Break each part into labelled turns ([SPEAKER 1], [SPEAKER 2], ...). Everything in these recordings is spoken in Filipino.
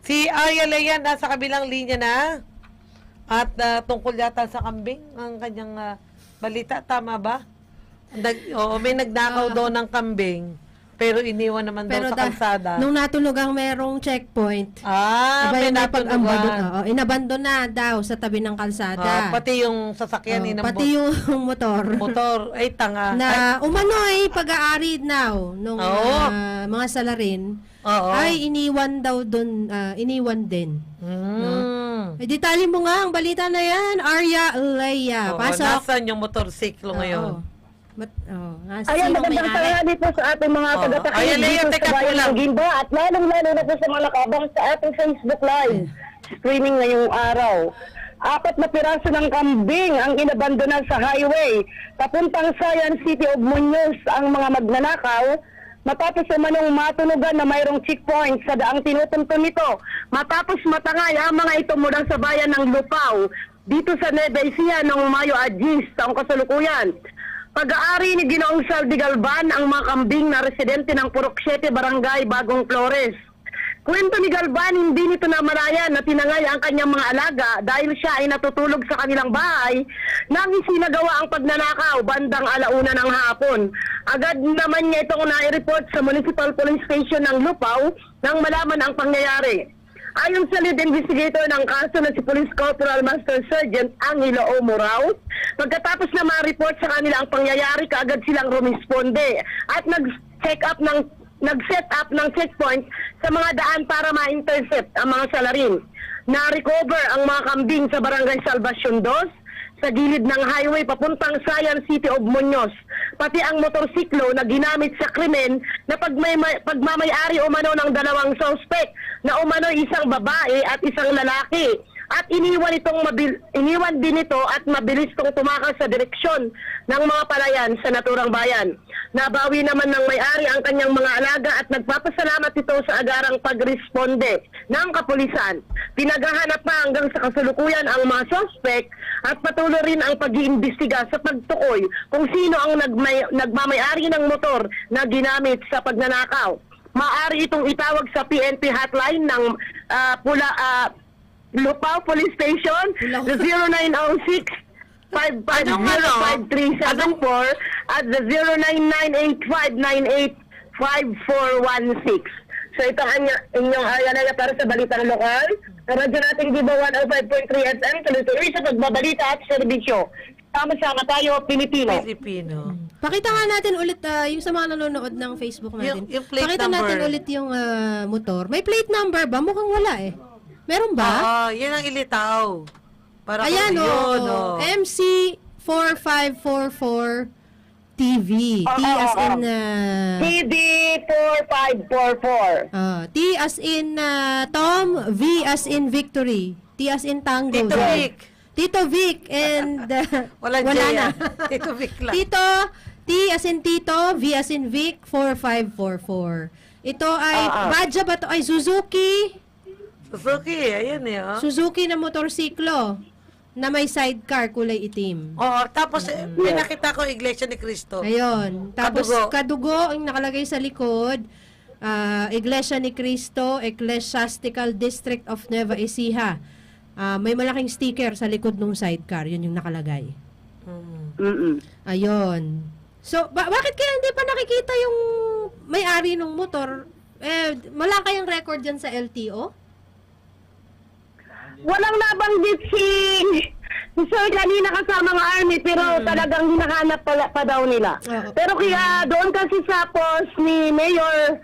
[SPEAKER 1] Si Arya Lea nasa kabilang linya na. At tungkol yata sa kambing, ang kanyang balita, tama ba? Oo, may nagnakaw daw ng kambing, pero iniwan naman daw sa kalsada.
[SPEAKER 2] Nung natulog ang merong checkpoint,
[SPEAKER 1] may natulugan.
[SPEAKER 2] inabandon na daw sa tabi ng kalsada.
[SPEAKER 1] Pati yung sasakyan,
[SPEAKER 2] pati yung motor.
[SPEAKER 1] Motor, ay tanga.
[SPEAKER 2] Na umano'y pag-aari now nung mga salarin, ay iniwan daw doon, iniwan din. Detalye mo nga ang balita na yan, Arya Lea. Pasok.
[SPEAKER 1] Nasaan yung motorsiklo ngayon?
[SPEAKER 3] Ayan, magandang tanghali po sa ating mga taga-takinig dito sa bayan ng Gimba at lalong-lalo na po sa mga nakabang sa ating Facebook Live streaming ngayong araw. 4 na piraso ng kambing ang inabandonan sa highway papuntang Sayan City of Muñoz ang mga magnanakaw matapos umanong matunugan na mayroong checkpoint sa daang tinutuntun nito. Matapos matangay ang mga ito mula sa bayan ng Lupao dito sa Nueva Ecija noong Mayo Agis taong kasalukuyan. Pag-aari ni Ginoong Saldi Galban ang mga kambing na residente ng Purok 7 Barangay Bagong Flores. Kwento ni Galban, hindi nito namalayan na tinangay ang kanyang mga alaga dahil siya ay natutulog sa kanilang bahay nang isinagawa ang pagnanakaw bandang 1:00 ng hapon. Agad naman niya itong nai-report sa Municipal Police Station ng Lupao nang malaman ang pangyayari. Ayon sa lead investigator ng kaso na si Police Corporal Master Sergeant Angelo O. Morao, pagkatapos na ma-report sa kanila ang pangyayari, kaagad silang rumisponde at nag-set up ng checkpoint sa mga daan para ma-intercept ang mga salarin. Na-recover ang mga kambing sa Barangay Salvacion 2, sa gilid ng highway papuntang Sayan City of Muñoz. Pati ang motorsiklo na ginamit sa krimen na pagmamayari umano ng 2 suspect na umano isang babae at isang lalaki. At iniwan din ito at mabilis itong tumakas sa direksyon ng mga palayan sa naturang bayan. Nabawi naman ng may-ari ang kanyang mga alaga at nagpapasalamat ito sa agarang pagresponde ng kapulisan. Pinaghahanap pa hanggang sa kasalukuyan ang mga suspect at patuloy rin ang pag-iimbestiga sa pagtukoy kung sino ang nagmamayari ng motor na ginamit sa pagnanakaw. Maaari itong itawag sa PNP hotline ng Lupao Police Station, 0906-550-5374 at the 0998-598-5416. So ito ang inyong Arya para sa Balitang Lokal. Radyo natin Gibo 105.3 FM, tuloy-tuloy sa pagbabalita at serbisyo. Sama-sama tayo, Pilipino.
[SPEAKER 2] Pakita nga natin ulit yung sa mga nanonood ng Facebook natin.
[SPEAKER 1] Yung plate
[SPEAKER 2] Pakita
[SPEAKER 1] number.
[SPEAKER 2] natin ulit yung motor. May plate number ba? Mukhang wala eh. Meron ba?
[SPEAKER 1] Yan ang ilitaw. Para
[SPEAKER 2] Ayan
[SPEAKER 1] yun,
[SPEAKER 2] MC4544 TV. T as in
[SPEAKER 3] TV 4544.
[SPEAKER 2] T as in Tom, V as in Victory, T as in Tango.
[SPEAKER 1] Tito Vic.
[SPEAKER 2] Tito Vic and
[SPEAKER 1] Wala
[SPEAKER 2] na.
[SPEAKER 1] Tito Vic lang.
[SPEAKER 2] Tito, T as in Tito, V as in Vic, 4544. Ito ay, Badja ba to? Ay, Suzuki.
[SPEAKER 1] Suzuki, ayan eh.
[SPEAKER 2] Suzuki na motorsiklo na may sidecar kulay itim.
[SPEAKER 1] Tapos may nakita ko Iglesia ni Cristo.
[SPEAKER 2] Ayun. Tapos kadugo ang nakalagay sa likod. Iglesia ni Cristo, Ecclesiastical District of Nueva Ecija. May malaking sticker sa likod ng sidecar. Yun yung nakalagay. Ayun. So, bakit kaya hindi pa nakikita yung may-ari ng motor? Wala kayang record dyan sa LTO?
[SPEAKER 3] Walang nabanggit si Sir kanina kasama ng army pero talagang hinahanap pa daw nila. Pero kaya doon kasi sa post ni Mayor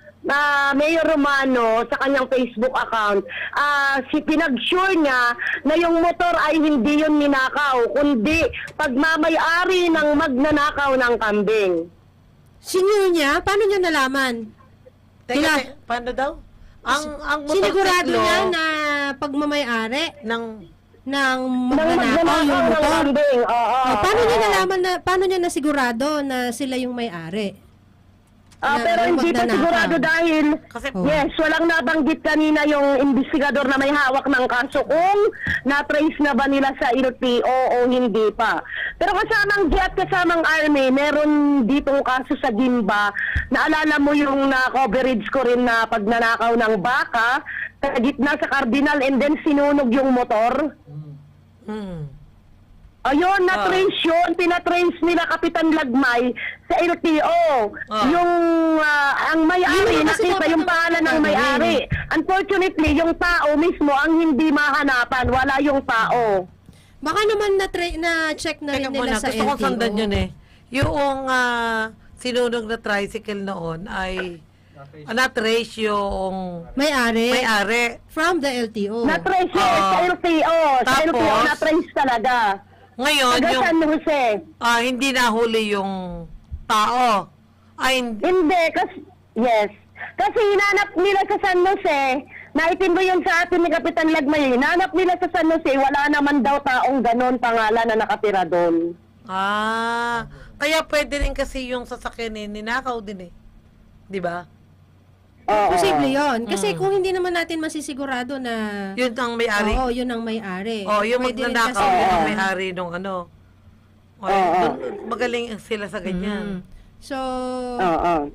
[SPEAKER 3] Romano sa kanyang Facebook account, pinag-sure niya na yung motor ay hindi yun ninakaw, kundi pagmamayari ng magnanakaw ng kambing.
[SPEAKER 2] Sinyo niya? Paano niya nalaman?
[SPEAKER 1] Teka, paano daw? Ang
[SPEAKER 2] sinigurado
[SPEAKER 1] motorsiklo
[SPEAKER 2] niya na pagmamayari
[SPEAKER 1] ng
[SPEAKER 2] magnanakaw yung motor. Paano niya nasigurado na sila yung may-ari?
[SPEAKER 3] Pero hindi pa sigurado dahil walang nabanggit kanina yung investigador na may hawak ng kaso kung na-trace na ba nila sa LTO o hindi pa. Pero kasamang jet, kasamang army, meron ditong kaso sa Gimba. Naalala mo yung na-coverage ko rin na pagnanakaw ng baka. sa gitna sa Cardinal and then sinunog yung motor.
[SPEAKER 1] Mm.
[SPEAKER 3] Ayun, na-trace yun. Pinatrace nila Kapitan Lagmay sa LTO. Yung ang may-ari,
[SPEAKER 2] Yun kasi
[SPEAKER 3] nakita
[SPEAKER 2] dapat
[SPEAKER 3] yung
[SPEAKER 2] ang
[SPEAKER 3] pangalan ng may-ari. Unfortunately, yung tao mismo ang hindi mahanapan. Wala yung tao.
[SPEAKER 2] Baka naman na-check na rin
[SPEAKER 1] Teka
[SPEAKER 2] nila
[SPEAKER 1] muna,
[SPEAKER 2] sa
[SPEAKER 1] gusto ko
[SPEAKER 2] LTO.
[SPEAKER 1] sundan yun eh. Yung sinunog na tricycle noon ay na-trace yung
[SPEAKER 2] May-ari.
[SPEAKER 1] may-ari.
[SPEAKER 2] From the LTO.
[SPEAKER 3] Na-trace yun sa LTO. Sa
[SPEAKER 1] Tapos,
[SPEAKER 3] LTO, na-trace talaga.
[SPEAKER 1] Ngayon,
[SPEAKER 3] Taga
[SPEAKER 1] yung
[SPEAKER 3] San Jose.
[SPEAKER 1] hindi nahuli yung tao.
[SPEAKER 3] Hindi, yes. Kasi hinanap nila sa San Jose, naitin mo yun sa atin ni Kapitan Lagmay, hinanap nila sa San Jose, wala naman daw taong ganon pangalan na nakatira doon.
[SPEAKER 1] Kaya pwede rin kasi yung sasakyan ninakaw din eh. Di ba?
[SPEAKER 3] Oo.
[SPEAKER 2] Posible yun. Kasi kung hindi naman natin masisigurado na...
[SPEAKER 1] Yun ang may-ari.
[SPEAKER 2] Oo, yun ang may-ari.
[SPEAKER 1] Yung
[SPEAKER 2] Pwede rin
[SPEAKER 1] magnanakaw,
[SPEAKER 2] kasi-
[SPEAKER 1] yun ang may-ari nung ano. Magaling sila sa ganyan.
[SPEAKER 2] So,
[SPEAKER 3] Oo.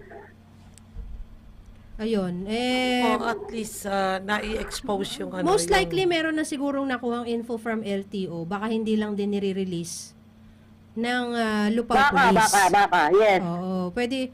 [SPEAKER 2] ayun.
[SPEAKER 1] At least na-i-expose yung ano.
[SPEAKER 2] Most
[SPEAKER 1] yung-
[SPEAKER 2] likely, meron na sigurong nakuhang info from LTO. Baka hindi lang din nire-release ng Lupao Police.
[SPEAKER 3] Baka, yes.
[SPEAKER 2] Oo, pwede,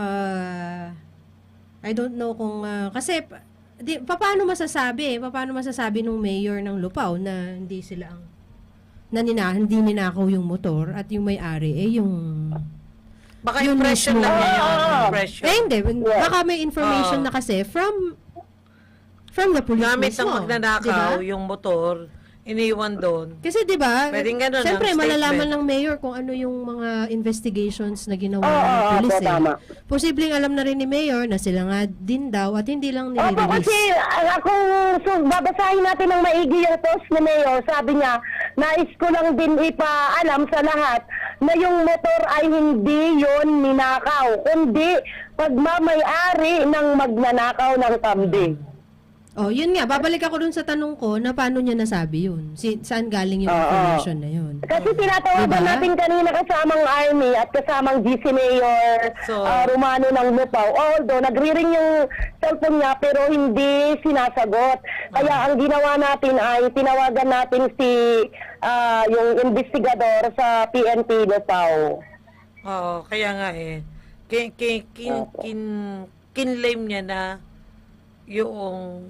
[SPEAKER 2] I don't know kung, kasi, paano masasabi nung mayor ng Lupao na hindi sila ang, hindi ninakaw yung motor at yung may-ari, yung,
[SPEAKER 1] Baka
[SPEAKER 2] yun
[SPEAKER 1] impression
[SPEAKER 2] mismo.
[SPEAKER 1] lang niya
[SPEAKER 3] Oo.
[SPEAKER 1] yung impression.
[SPEAKER 2] hindi, baka may information na kasi from the police
[SPEAKER 1] Gamit ng
[SPEAKER 2] mismo.
[SPEAKER 1] magnanakaw,
[SPEAKER 2] Diba?
[SPEAKER 1] yung motor, iniwan doon.
[SPEAKER 2] Kasi 'di ba?
[SPEAKER 1] Pwedeng ganun
[SPEAKER 2] Siyempre
[SPEAKER 1] ang
[SPEAKER 2] malalaman
[SPEAKER 1] statement.
[SPEAKER 2] ng mayor kung ano yung mga investigations na ginawa
[SPEAKER 3] Oo,
[SPEAKER 2] ng police.
[SPEAKER 3] opo, tama.
[SPEAKER 2] Posibleng alam na rin ni mayor na sila nga din daw at hindi lang
[SPEAKER 3] Opo,
[SPEAKER 2] nire-release.
[SPEAKER 3] kasi babasahin natin ng maigi yung post ni Mayor, sabi niya, nais ko lang din ipaalam sa lahat na yung motor ay hindi yon ninakaw, kundi pagmamay-ari ng magnanakaw ng kambing.
[SPEAKER 2] Oh, yun nga, babalik ako dun sa tanong ko na paano niya nasabi yun. Saan galing yung information na yun?
[SPEAKER 3] Kasi tinatawagan
[SPEAKER 2] Diba?
[SPEAKER 3] natin kanina kasamang Army at kasamang GC Mayor
[SPEAKER 1] So-
[SPEAKER 3] Romano ng Lupao. Although nagri-ring yung cellphone niya pero hindi sinasagot. Kaya ang ginawa natin ay tinawagan natin si yung investigador sa PNP Lupao.
[SPEAKER 1] Oo, kaya nga eh. Kinlame niya na yung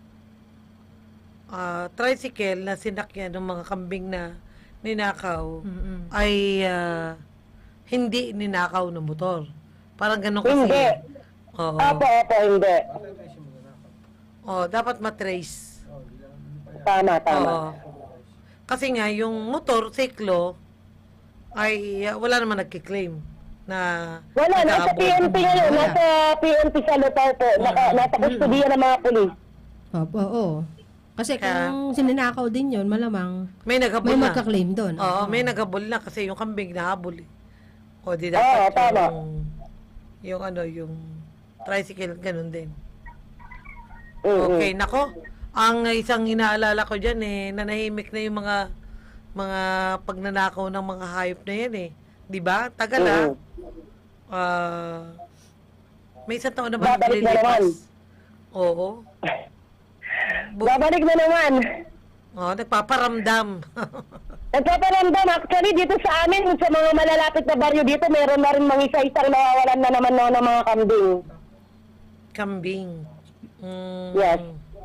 [SPEAKER 1] tricycle na sinakyan ng mga kambing na ninakaw ay hindi ninakaw ng motor. Parang ganun kasi.
[SPEAKER 3] Hindi.
[SPEAKER 1] Oo.
[SPEAKER 3] Opo, hindi.
[SPEAKER 1] Dapat matrace.
[SPEAKER 3] Tama.
[SPEAKER 1] Oo. Kasi nga, yung motor, siklo, ay wala naman nagkiklaim na
[SPEAKER 3] Wala, nasa
[SPEAKER 1] nakaabot.
[SPEAKER 3] PNP ngayon.
[SPEAKER 2] Wala.
[SPEAKER 3] Nasa PNP sa Lupao po. Nasa kustudiya ng mga pulis.
[SPEAKER 2] Oo. Kasi kung sininakaw din yun, malamang
[SPEAKER 1] May naghabol
[SPEAKER 2] may
[SPEAKER 1] na.
[SPEAKER 2] magka-claim doon.
[SPEAKER 1] Oo, may naghabol na kasi yung kambing nahabol eh. O di
[SPEAKER 3] Oo,
[SPEAKER 1] dapat
[SPEAKER 3] tama.
[SPEAKER 1] yung tricycle, ganun din.
[SPEAKER 3] Mm-mm.
[SPEAKER 1] Okay, nako. Ang isang inaalala ko dyan eh, nanahimik na yung mga pagnanakaw ng mga hayop na yan eh. Di ba? Tagal ah. May isang taon na ba
[SPEAKER 3] Babalik na naman.
[SPEAKER 1] Oo.
[SPEAKER 3] Babalik na naman.
[SPEAKER 1] Nagpaparamdam.
[SPEAKER 3] Nagpaparamdam. Actually, dito sa amin, sa mga malalapit na baryo dito, meron na rin mga isa-isang nawawalan na naman ng mga kambing.
[SPEAKER 1] Kambing.
[SPEAKER 3] Yes.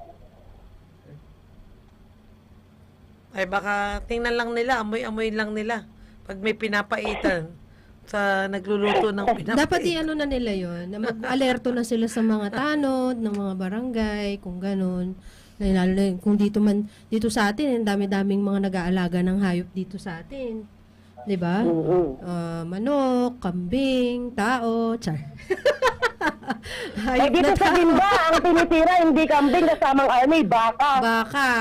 [SPEAKER 1] Ay baka tingnan lang nila, amoy-amoy lang nila. Pag may pinapaitan sa nagluluto ng pinapaitan.
[SPEAKER 2] Dapat i-ano na nila yon, na mag-alerto na sila sa mga tanod, ng mga barangay, kung ganun. Lalo na kung dito sa atin, ang dami-daming mga nag-aalaga ng hayop dito sa atin. 'Di ba? Manok, kambing, tao, char.
[SPEAKER 3] Ay, dito sa Gimba, ang tinitira, hindi kambing, kasamang army, baka.
[SPEAKER 2] Baka.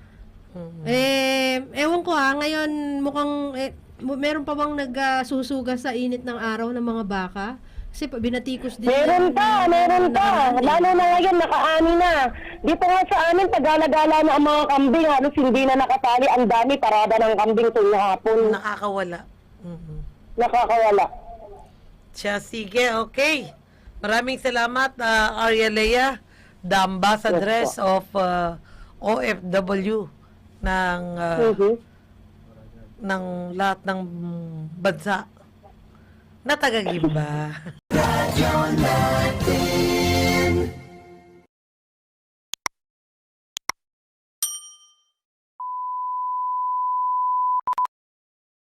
[SPEAKER 2] Ewan ko ngayon mukhang meron pa bang nagsusuga sa init ng araw ng mga baka? Kasi binatikos din.
[SPEAKER 3] Meron pa. Lalo na ngayon, nakaani na. Dito nga sa amin, pagala-gala na ang mga kambing, halos hindi na nakatali. Ang dami, parada ng kambing tuwing hapon.
[SPEAKER 1] Nakakawala.
[SPEAKER 3] Nakakawala.
[SPEAKER 1] Siya, sige, okay. Maraming salamat, Arya Lea. the ambassadress of OFW ng ng lahat ng bansa na taga-Gimba.